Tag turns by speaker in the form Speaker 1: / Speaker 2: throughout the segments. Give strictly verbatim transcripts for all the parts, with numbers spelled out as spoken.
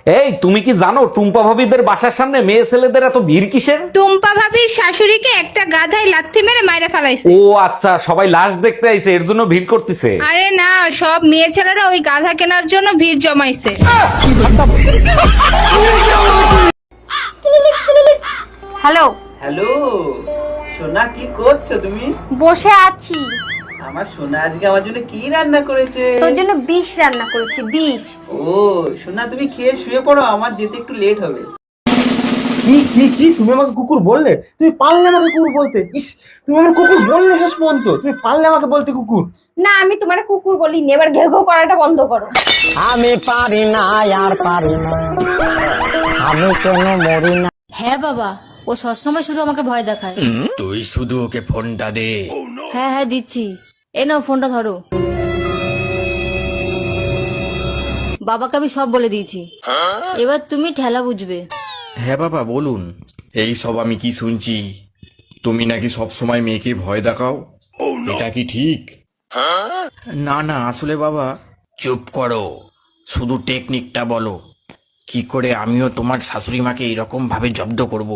Speaker 1: এই তুমি কি জানো টুম্পা ভাবিদের বাসার সামনে মেয়ে ছেলেদের এত ভিড় কিসের?
Speaker 2: টুম্পা ভাবির শাশুড়িকে একটা গাধায় লাথি মেরে মাইরা ফেলাইছে।
Speaker 1: ও আচ্ছা, সবাই লাশ দেখতে আইছে এর জন্য ভিড় করতেছে।
Speaker 2: আরে না, সব মেয়ে ছেলেরা ওই গাধা কেনার জন্য ভিড় জমাইছে।
Speaker 3: হ্যালো
Speaker 4: হ্যালো সোনা, কি করছো তুমি?
Speaker 3: বসে আছি।
Speaker 4: আমার সোনা আজকে আমার জন্য কি রান্না করেছে?
Speaker 3: তোর জন্য বিষ রান্না করেছি, বিষ।
Speaker 4: ও সোনা, তুমি খেয়ে শুয়ে পড়ো, আমার যেতে একটু লেট হবে।
Speaker 5: কি কি কি তুমি আমাকে কুকুর বললে? তুমি পারলে আমাকে কুকুর বলতে? ইস, তুমি আমার কুকুর বললে শেষ পর্যন্ত। তুমি পারলে আমাকে বলতে কুকুর?
Speaker 3: না, আমি তোমার কুকুর বলিনি। এবার ঘেউ ঘেউ করাটা বন্ধ করো।
Speaker 6: আমি পারি না আর পারি না, আমি কেন মরি না।
Speaker 7: হ্যাঁ বাবা, ও সবসময় শুধু আমাকে ভয় দেখায়।
Speaker 8: তুই শুধু ওকে ফোনটা দে।
Speaker 7: হ্যাঁ হ্যাঁ দিচ্ছি, এ নাও ফোনটা ধরো। বাবাকে আমি সব বলে দিয়েছি, এবার তুমি ঠেলা বুঝবে।
Speaker 8: হ্যাঁ বাবা বলুন। এই সব আমি কি শুনছি, তুমি নাকি সব সময় মেয়েকে ভয় দেখাও, এটা কি ঠিক? না না, আসলে বাবা চুপ করো, শুধু টেকনিকটা বলো, কি করে আমিও তোমার শাশুড়ি মাকে এরকম ভাবে জব্দ করব।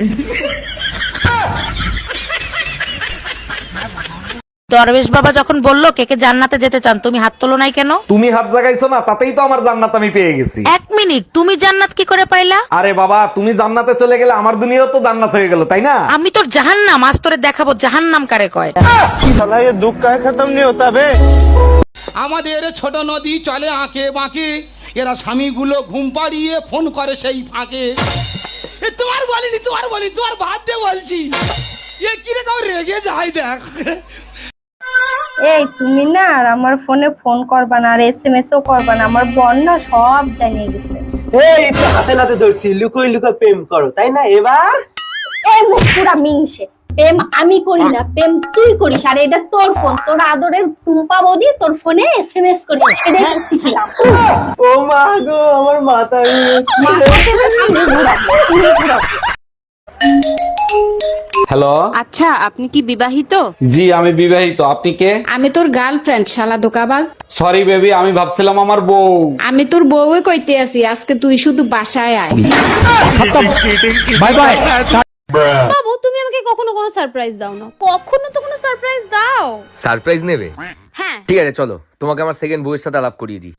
Speaker 9: দরবেশ বাবা যখন বললো কেকে জান্নাতে যেতে চান, তুমি হাত তোলো নাই কেন?
Speaker 1: তুমি হাত জাগাইছো না, তাতেই তো আমার জান্নাত আমি পেয়ে গেছি।
Speaker 9: এক মিনিট, তুমি জান্নাত কি করে পাইলা?
Speaker 1: আরে বাবা, তুমি জান্নাতে চলে গেলে আমার দুনিয়াও তো জান্নাত হয়ে গেল, তাই না?
Speaker 9: আমি তোর জাহান্নাম আজ তোরে দেখাবো জাহান্নাম কারে কয়।
Speaker 5: সালা ये दुख का खत्म नहीं होता बे।
Speaker 10: আমাদের ছোট নদী চলে আঁকে বাঁকে, এরা স্বামীগুলো ঘুম পাড়িয়ে ফোন করে সেই ফাঁকে। এ তোমার বলিনি, তোমার বলিনি, তোমার বাদ দিয়ে বলছি। এ কিরকম রেগে যায় দেখ।
Speaker 3: এই তুমি না আর আমার ফোনে ফোন করবা না, আর এসএমএস ও করবা না। আমার বোন না সব জানিয়ে গেছে।
Speaker 5: এই তো হাতে নাতে ধরছি, লুকোই লুকোই প্রেম করো, তাই না? এবার
Speaker 3: এই মুখ পুরা মিংসে। প্রেম আমি করি না, প্রেম তুই করিস। আর এটা তোর ফোন, তোর আদরের টুম্পা বৌদি তোর ফোনে এসএমএস করেছে, সেটাই করতেছিলাম।
Speaker 5: ও মা গো, আমার মাথা
Speaker 1: হ্যালো,
Speaker 2: আচ্ছা, আপনি কি বিবাহিত?
Speaker 1: জি আমি বিবাহিত। আপনি কে?
Speaker 2: আমি তোর গার্লফ্রেন্ড, শালা দোকাবাজ।
Speaker 1: সরি বেবি, আমি ভাবছিলাম আমার বউ।
Speaker 2: আমি তোর বউই কইতে আছি, আজকে তুই শুধু বাসায় আয়।
Speaker 1: Bye bye.
Speaker 7: বাবু, তুমি আমাকে কখনো কোনো সারপ্রাইজ দাও না, কখনো তো কোনো সারপ্রাইজ দাও।
Speaker 11: সারপ্রাইজ নেবে?
Speaker 7: হ্যাঁ
Speaker 11: ঠিক আছে, চলো তোমাকে আমার সেকেন্ড বউয়ের সাথে আলাপ করিয়ে দিই।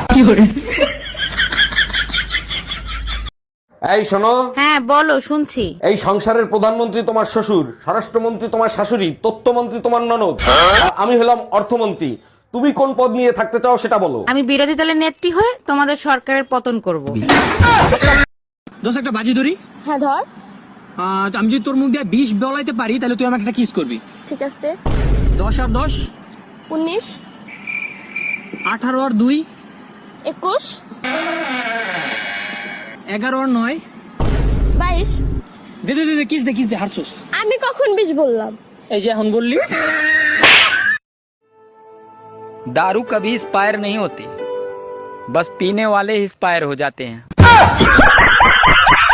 Speaker 1: এই শোনো।
Speaker 9: হ্যাঁ বলো, শুনছি।
Speaker 1: এই সংসারের প্রধানমন্ত্রী তোমার শ্বশুর, স্বরাষ্ট্রমন্ত্রী তোমার শাশুড়ি, তথ্যমন্ত্রী তোমার ননদ, আর আমি হলাম অর্থমন্ত্রী। তুমি কোন পদ নিয়ে থাকতে চাও সেটা বলো।
Speaker 9: আমি বিরোধী দলের নেত্রী হয়ে তোমাদের সরকারের পতন করব।
Speaker 6: দোষ একটা বাজি ধরি।
Speaker 7: হ্যাঁ ধর।
Speaker 6: আহ, আমি যদি তোর মুখ দিয়ে বিষ বলাইতে পারি, তাহলে তুই আমাকে একটা কিস করবি।
Speaker 7: ঠিক আছে।
Speaker 6: দশ আর দশ
Speaker 7: উনিশ।
Speaker 6: আঠারো আর দুই
Speaker 7: একুশ।
Speaker 6: এগারো আর নয়
Speaker 7: বাইশ।
Speaker 6: দে দে দে, কিস দে কিস দে, হারছোস।
Speaker 7: আমি কখন বিশ বললাম?
Speaker 6: এই যে এখন বললি।
Speaker 12: दारू कभी एक्सपायर नहीं होती, बस पीने वाले एक्सपायर हो जाते हैं।